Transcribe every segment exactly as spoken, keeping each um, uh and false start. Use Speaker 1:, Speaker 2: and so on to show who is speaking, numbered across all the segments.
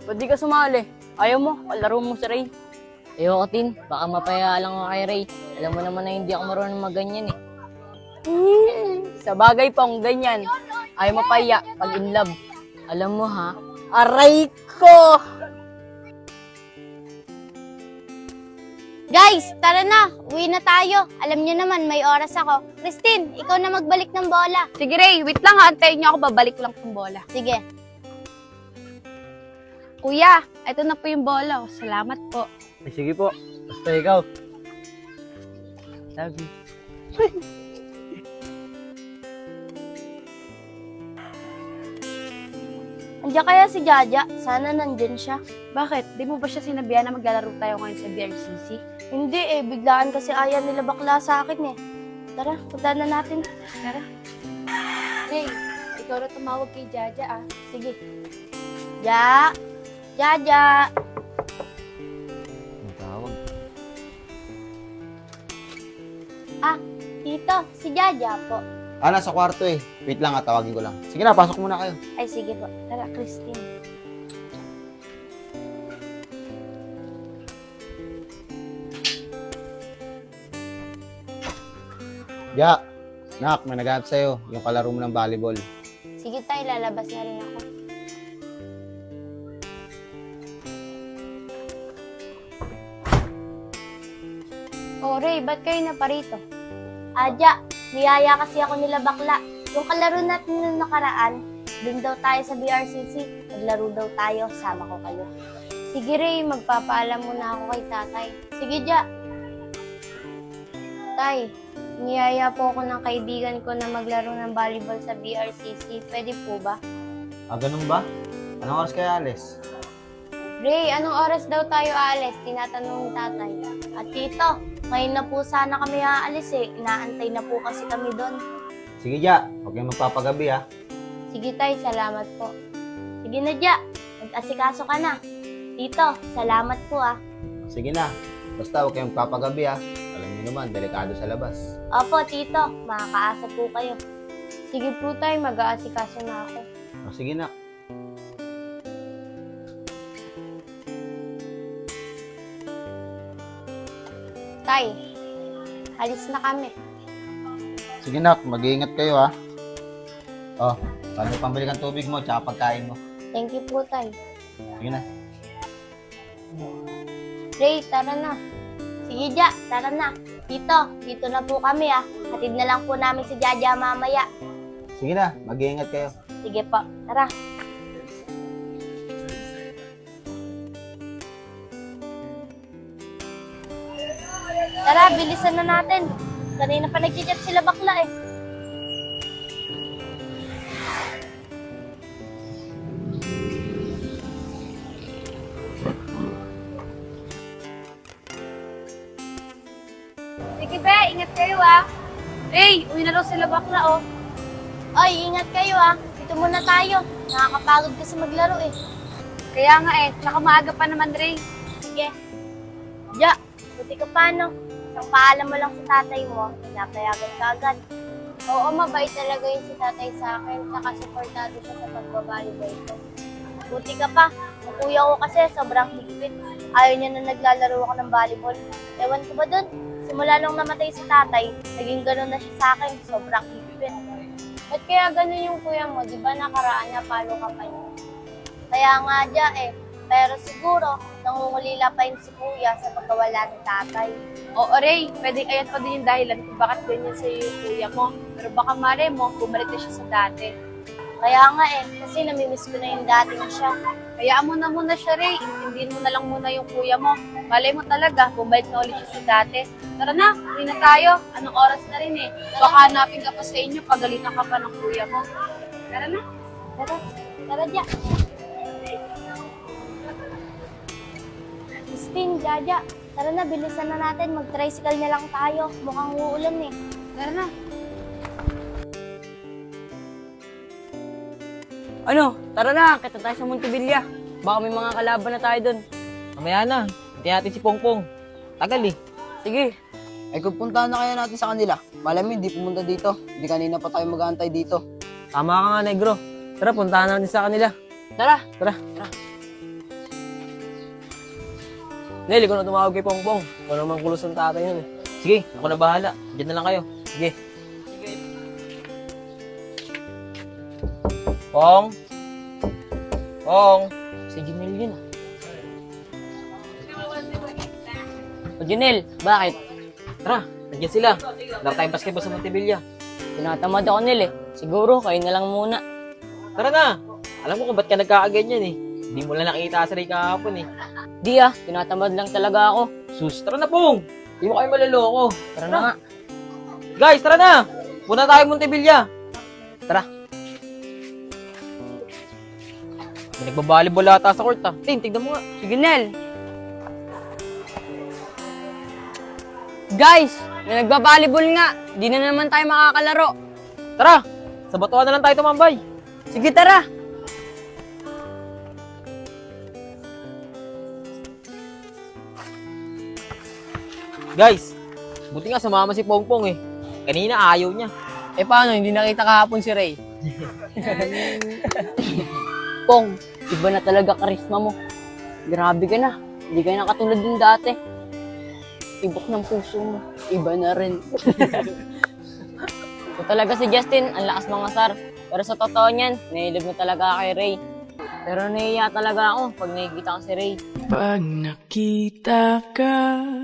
Speaker 1: Ba't di ka sumali? Ayaw mo, kalaro mo si Ray.
Speaker 2: Ayoko, Tin. Baka mapaya lang ako kay Ray. Alam mo naman na hindi ako marunong maganyan eh.
Speaker 1: Sa bagay pong ganyan. Ayaw mapaya pag in love.
Speaker 2: Alam mo ha,
Speaker 1: Aray ko!
Speaker 3: Guys, tara na. Uwi na tayo. Alam niyo naman, may oras ako. Christine, ikaw na magbalik ng bola.
Speaker 4: Sige, Ray. Wait lang ha. Antayin niyo ako. Babalik lang ng bola.
Speaker 3: Sige.
Speaker 4: Kuya, ito na po yung bola. Oh. Salamat po.
Speaker 5: Eh, sige po. Basta ikaw. Love you.
Speaker 3: Andiyan kaya si Jaja? Sana nandyan siya.
Speaker 4: Bakit? Di mo ba siya sinabihan na maglalaro tayo ngayon sa B R C C?
Speaker 3: Hindi eh, biglaan kasi ayaw nila bakla sa akin eh. Tara, punta na natin.
Speaker 4: Tara. Ray, ikaw na tumawag kay Jaja ah.
Speaker 3: Sige. Ja! Jaja!
Speaker 5: Ang tawag.
Speaker 3: Ah, tito, si Jaja po.
Speaker 6: Ah, nasa kwarto eh. Wait lang, ah, tawagin ko lang. Sige na, pasok muna kayo.
Speaker 3: Ay, sige po. Tara, Christine.
Speaker 6: Ya, nak, may naghanap sa'yo. Yung kalaro mo ng volleyball.
Speaker 3: Sige tayo, lalabas na rin ako. Oh, Ray, ba't kayo na parito? Adya, niyaya kasi ako nila bakla. Yung kalaro natin nung nakaraan, dun daw tayo sa B R C C. Naglaro daw tayo, sama ko kayo. Sige, Ray, magpapaalam muna ako kay tatay. Sige, Ja. Tay, niyaya po ako ng kaibigan ko na maglaro ng volleyball sa B R C C. Pwede po ba?
Speaker 6: Ah, ganun ba? Anong oras kaya, Alice?
Speaker 3: Ray, anong oras daw tayo aalis? Tinatanong ni tatay. At tito, ngayon na po sana kami aalis eh. Inaantay na po kasi kami doon.
Speaker 6: Sige, Ja. Huwag kayong magpapagabi, ah.
Speaker 3: Sige tay, salamat po. Sige na, Ja. Mag-asikaso ka na. Tito, salamat po ah.
Speaker 6: Sige na. Basta huwag kayong magpapagabi, ah. Alam niyo naman, delikado sa labas.
Speaker 3: Opo, tito. Makakaasa po kayo. Sige po tay, mag-aasikaso na ako.
Speaker 6: O, sige na.
Speaker 3: Tay, alis na kami.
Speaker 6: Sige, nak. Mag-iingat kayo, ah. Oh, paano pambili kang tubig mo tsaka pagkain mo?
Speaker 3: Thank you po tay.
Speaker 6: Sige na.
Speaker 3: Ray, tara na. Sige, Ja, tara na. Tito, dito na po kami ah. Hatid na lang po namin si Jaja mamaya.
Speaker 6: Sige na. Mag-iingat kayo.
Speaker 3: Sige po, tara. Tara, bilisan na natin. Kanina pa nag-chat sila bakla eh.
Speaker 4: Sige, be. Ingat kayo ah. Ray, uwi na daw sila bakla oh.
Speaker 3: Oy, ingat kayo ah. Dito muna tayo. Nakakapagod kasi maglaro eh.
Speaker 4: Kaya nga eh. Tsaka maaga pa naman, Ray.
Speaker 3: Sige. Ja, buti ka pa no. Isang paalam mo lang sa tatay mo, pinapayagan ka agad. Oo, mabait talaga yun si tatay sa akin, tsaka supportado siya sa pagbabalibay ko. Buti ka pa. Ang kuya ko kasi sobrang higpit. Ayaw niya na naglalaro ako ng volleyball. Ewan ko ba dun? Simula nung namatay si tatay, naging gano'n na siya sa akin, sobrang higpit. Ba't kaya gano'n yung kuya mo? Di ba nakaraan niya, palo ka pa niya? Kaya nga dya eh. Pero siguro, nangungulila pa yun si kuya sa pagkawala ni tatay.
Speaker 4: Oo, Ray. Pwede ayan pa din yung dahilan kung bakit ganyan sa'yo yung kuya mo. Pero baka mare mo, bumalik na siya sa dati.
Speaker 3: Kaya nga eh, kasi namimiss ko na yung dating siya.
Speaker 4: Hayaan mo na muna siya, Ray. Intindihin mo na lang muna yung kuya mo. Malay mo talaga, bumalik na ulit siya sa dati. Tara na, uwi na tayo. Anong oras na rin eh. Baka hanapin ka pa sa inyo, pagalitan ka pa ng kuya mo. Tara na.
Speaker 3: Tara, tara dya. Christine, Jaja, tara na, bilisan na natin. Mag-tricycle na lang tayo. Mukhang uulan eh.
Speaker 4: Tara na.
Speaker 1: Ano? Tara na, kita tayo sa Montevilla. Baka may mga kalaban na tayo doon.
Speaker 2: mamaya na. Hintayin natin si Pongpong. Tagal eh.
Speaker 1: Sige.
Speaker 7: Ay kung puntahan na kaya natin sa kanila, malam hindi pumunta dito. Hindi kanina pa tayo mag-aantay dito.
Speaker 2: Tama ka nga, Negro. Tara, puntahan natin sa kanila.
Speaker 1: Tara.
Speaker 2: Tara.
Speaker 7: Nel, ikaw na tumawag kay Pongpong. Wala namang kulos ng tatay yun eh.
Speaker 2: Sige, ako na bahala. Diyan na lang kayo.
Speaker 7: Sige. Pong? Pong?
Speaker 2: Si Junel yun ah. O Junel, bakit?
Speaker 5: Tara, nandiyan sila. Laro tayong basketball sa Montevilla.
Speaker 2: Tinatamad ako Nel eh. Siguro, kayo na lang muna.
Speaker 5: Tara na. Alam mo kung ba't ka nagkakaganyan eh. Hindi mo lang nakita sa Ray kahapon eh.
Speaker 2: Di ah, tinatamad lang talaga ako.
Speaker 5: Sus, tara na Pong. Hindi mo kayo maloloko.
Speaker 2: Tara na nga.
Speaker 5: Guys, tara na. Punta tayo Montevilla. Tara. May nagbabalibol ata sa court ah. Tin, tignan mo nga.
Speaker 1: Sige, Nel. Guys, may nagbabalibol nga. Di na naman tayo makakalaro.
Speaker 5: Tara, sa batuan na lang tayo tumambay.
Speaker 1: Sige, tara.
Speaker 5: Guys, buti nga sumama si Pongpong eh. Kanina ayaw niya.
Speaker 1: Eh paano, hindi nakita kahapon si Ray?
Speaker 2: Pong, iba na talaga karisma mo. Grabe ka na. Hindi ka na katulad din dati. Tibok ng puso mo. Iba na rin. Ito talaga si Justin, ang lakas mga sar. Pero sa totoo niyan, nailib na talaga kay Ray. Pero naiiya talaga ako pag nakikita ko si Ray.
Speaker 8: Pag nakita ka,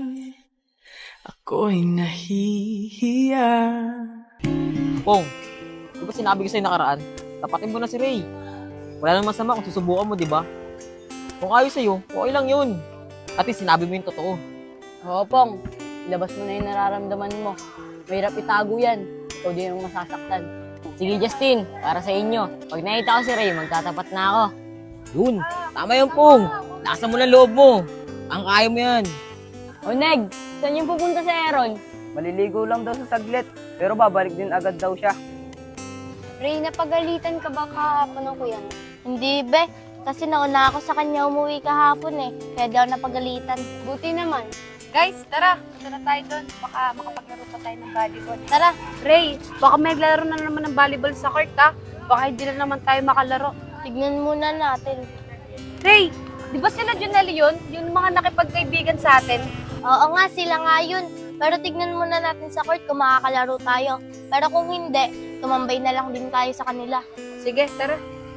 Speaker 8: ako'y nahihiya.
Speaker 5: Pong, di ba sinabi ko sa'yo nakaraan? Tapatin mo na si Ray. Wala nang masama kung susubukan mo, di ba? Kung ayos sa'yo, okay lang yun. At least sinabi mo yung totoo.
Speaker 2: Oo, Pong. Ilabas mo na yung nararamdaman mo. Mahirap itago yan. Ikaw din yung masasaktan. Sige, Justin. Para sa inyo. Pag nakita ko si Ray, magtatapat na ako.
Speaker 5: Yun, tama yun Pong. Lakasan mo ng loob mo. Ang kaya mo yan.
Speaker 2: O, Neg, saan yung pupunta si Aaron?
Speaker 7: Maliligo lang daw sa saglit. Pero babalik din agad daw siya.
Speaker 3: Ray, napagalitan ka ba kahapon ng kuya mo? Hindi, be. Kasi nauna ako sa kanya umuwi kahapon eh. Kaya daw napagalitan. Buti naman.
Speaker 4: Guys, tara. Punta na tayo doon. Baka makapaglaro pa tayo ng volleyball.
Speaker 3: Tara,
Speaker 4: Ray, baka may naglaro na naman ng volleyball sa court ha. Baka hindi na naman tayo makalaro.
Speaker 3: tignan muna natin.
Speaker 4: Ray, di ba sila Junel yun? Yung mga nakipagkaibigan sa atin?
Speaker 3: Oo nga, sila nga yun. Pero tignan muna natin sa court kung makakalaro tayo. Pero kung hindi, tumambay na lang din tayo sa kanila.
Speaker 4: Sige, tara.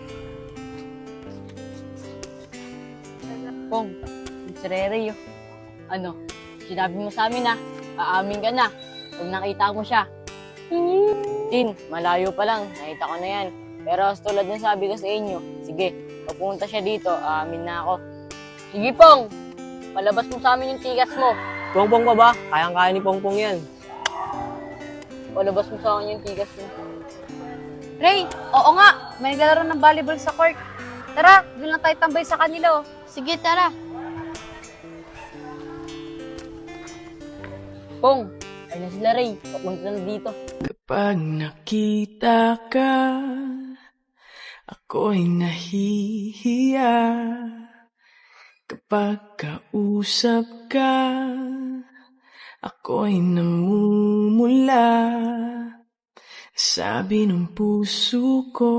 Speaker 2: Pong, si Ray, oh. Ano, sinabi mo sa amin na, aamin ka na. Pag nakita mo siya. Tin, malayo pa lang, nakita ko na yan. Pero tulad ng sabi ko sa inyo, sige, pag pumunta siya dito, aamin na ako. Sige, Pong, palabas mo sa amin yung tigas mo.
Speaker 7: Pongpong pa ba? Kayang-kaya ni Pongpong yan.
Speaker 2: Palabas mo sa akin yung tigas mo.
Speaker 4: Ray, oo nga. May naglalaro ng volleyball sa court. Tara, doon lang tayo tambay sa kanila oh.
Speaker 3: Sige, tara.
Speaker 2: Pong, ay na sila Ray, papunta na dito.
Speaker 8: Kapag nakita ka, ako'y nahihiya. Kapag kausap ka, ako'y namumula. Sabi ng puso ko,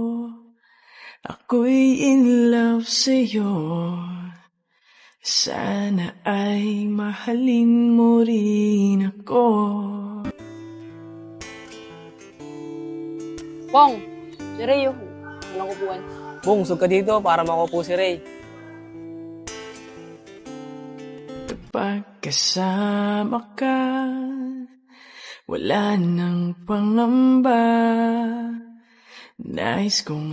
Speaker 8: ako'y in love sa'yo. Sana ay mahalin mo rin ako.
Speaker 2: Pong, si Ray, oh. Walang kupuan.
Speaker 7: Pong, sug ka dito para makupo si Ray.
Speaker 8: Kapag kasama ka, wala nang pangamba. Nais kong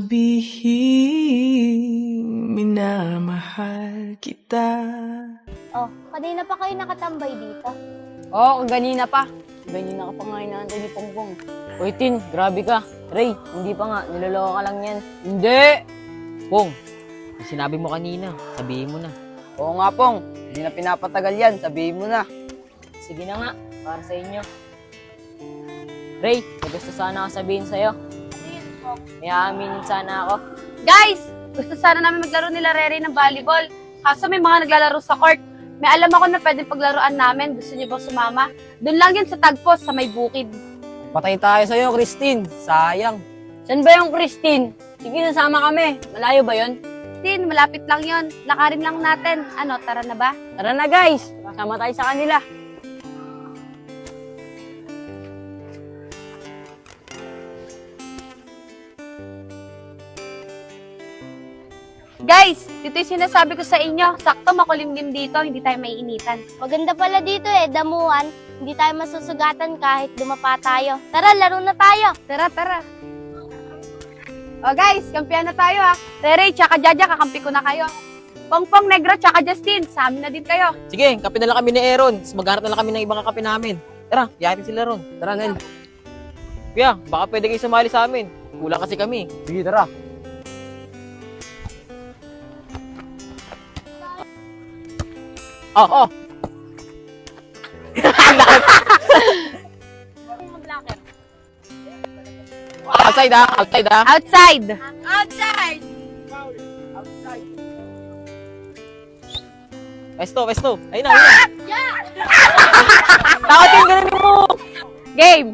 Speaker 8: sabihin, minamahal kita.
Speaker 3: Oh, kanina pa kayo nakatambay dito.
Speaker 2: Oo, oh, kanina pa. Ganyan na ka pa nga inaantay ni Pongpong. Uy, Tin, grabe ka. Ray, hindi pa nga. Niloloko ka lang yan.
Speaker 1: Hindi.
Speaker 5: Pong, yung sinabi mo kanina, sabihin mo na.
Speaker 7: Oo nga, Pong. Hindi na pinapatagal yan. Sabihin mo na.
Speaker 2: Sige na nga, para sa inyo. Ray, may gusto sana ako sabihin sa'yo. May aaminin sana ako.
Speaker 4: Guys, gusto sana namin maglaro nila Rere ng volleyball. Kaso may mga naglalaro sa court. May alam ako na pwedeng paglaruan namin. Gusto niyo ba sumama? Doon lang yan sa tagpos, sa may bukid.
Speaker 7: Patay tayo sa'yo, Christine. Sayang.
Speaker 2: Saan ba yung Christine? Sige, nasama kami. Malayo ba yon?
Speaker 4: Justin, malapit lang yon. Lakarin lang natin. Ano, tara na ba?
Speaker 2: Tara na guys, sama tayo sa kanila.
Speaker 4: Guys, ito yung sinasabi ko sa inyo. Sakto makulimlim dito, hindi tayo maiinitan.
Speaker 3: Maganda pala dito eh, damuhan. Hindi tayo masusugatan kahit dumapa tayo. Tara, laro na tayo.
Speaker 4: Tara, tara. O guys, kampiyan na tayo ha. Tere, tsaka Jaja, kakampi ko na kayo. Pongpong, Negra, tsaka Justin, sa amin na din kayo.
Speaker 5: Sige, kape na lang kami ni Aaron. Tapos maghanap na lang kami ng ibang kakape namin. Tara, yayatin sila ron.
Speaker 7: Tara, Nel.
Speaker 5: Kuya, baka pwede kayo sumali sa amin. Kulang kasi kami.
Speaker 7: Sige, tara.
Speaker 5: Oh, oh. Outside ah, outside ah.
Speaker 4: Outside.
Speaker 5: Westo, westo. Ayun na, ayun na. Takot yung ganun mo.
Speaker 4: Game.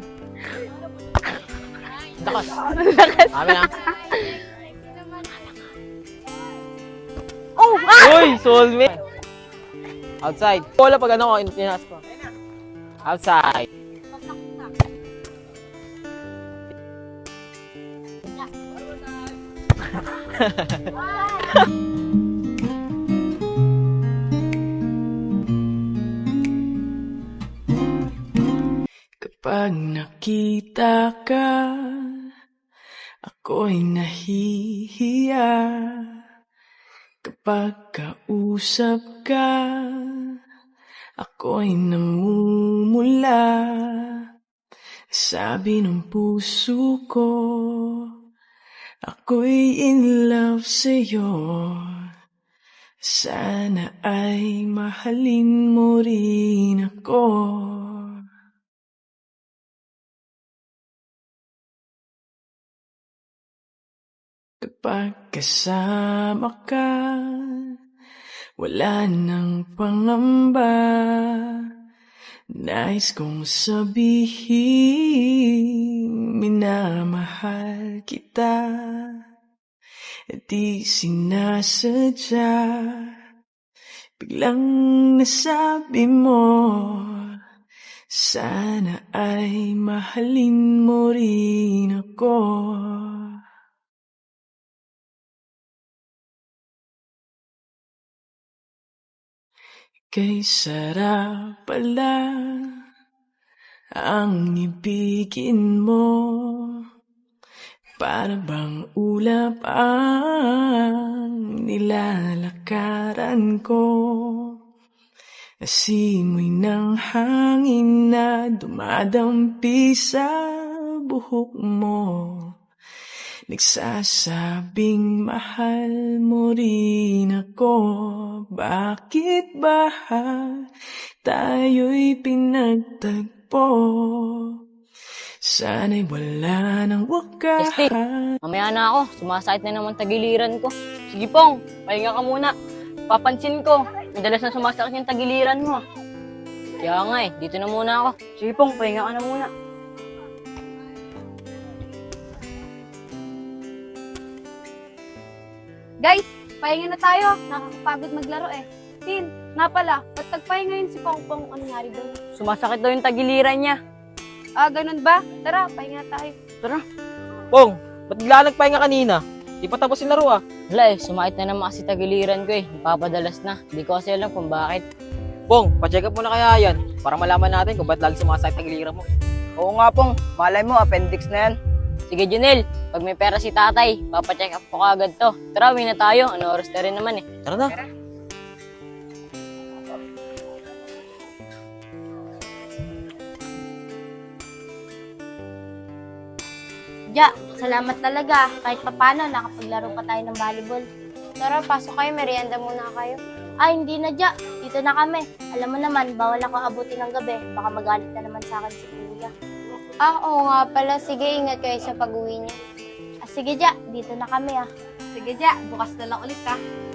Speaker 5: Takas. Amin ah.
Speaker 4: Oh, ah!
Speaker 5: Uy, soulmate. Outside. Wala pag ano ko, inas ko. Outside.
Speaker 8: Kapag nakita ka, ako'y nahihiya. Kapag kausap ka, ako'y namumula. Sabi ng puso ko, ako'y in love sa'yo. Sana ay mahalin mo rin ako. Kapag kasama ka, wala nang pangamba. Nais kong sabihin, minamahal kita. Di sinasadya, biglang nasabi mo, sana ay mahalin mo rin ako. Kay sarap pala ang ibigin mo, para bang ulap ang nilalakaran ko. Asimoy ng hangin na dumadampi sa buhok mo, nagsasabing mahal mo rin ako. Bakit ba tayo'y pinagtagpo? Sana'y wala nang wakas.
Speaker 2: Justin, mamaya na ako. Sumasakit na naman tagiliran ko. Sige Pong, pahinga ka muna. Papansin ko, madalas na sumasakit yung tagiliran mo. Kaya nga eh, dito na muna ako. Sige Pong, pahinga ka na muna.
Speaker 4: Guys, pahinga na tayo. Nakakapagod maglaro eh. Tin, nga pala, ba't nagpahinga yun si Pongpong? Ano nangyari doon?
Speaker 2: Sumasakit daw yung tagiliran niya.
Speaker 4: Ah, ganun ba? Tara, pahinga tayo.
Speaker 5: Pong, ba't bigla nagpahinga kanina? Di pa tapos yung laro ah.
Speaker 2: Wala eh, sumakit na naman kasi tagiliran ko eh. Napapadalas na. Hindi ko kasi alam kung bakit.
Speaker 5: Pong, pa-check up mo na kaya yan para malaman natin kung ba't lagi sumasakit tagiliran mo.
Speaker 7: Oo nga, Pong. Malay mo, appendix na yan.
Speaker 2: Sige Junel, pag may pera si tatay, papacheck up ko kagad to. Tara, uwi na tayo. Ano oras na rin naman eh.
Speaker 5: Tara na.
Speaker 3: Ja, salamat talaga. Kahit papano, nakapaglaro pa tayo ng volleyball. Tara, pasok kayo. Merienda muna kayo. Ay, hindi na, Ja. Dito na kami. Alam mo naman, bawal ako abutin ng gabi. Baka magalit na naman sa akin si Kuya. Ah, oo nga pala. Sige, ingat kayo sa pag-uwi niya. Ah, sige, Ja. Dito na kami, ah.
Speaker 4: Sige, Ja, bukas na lang ulit ka.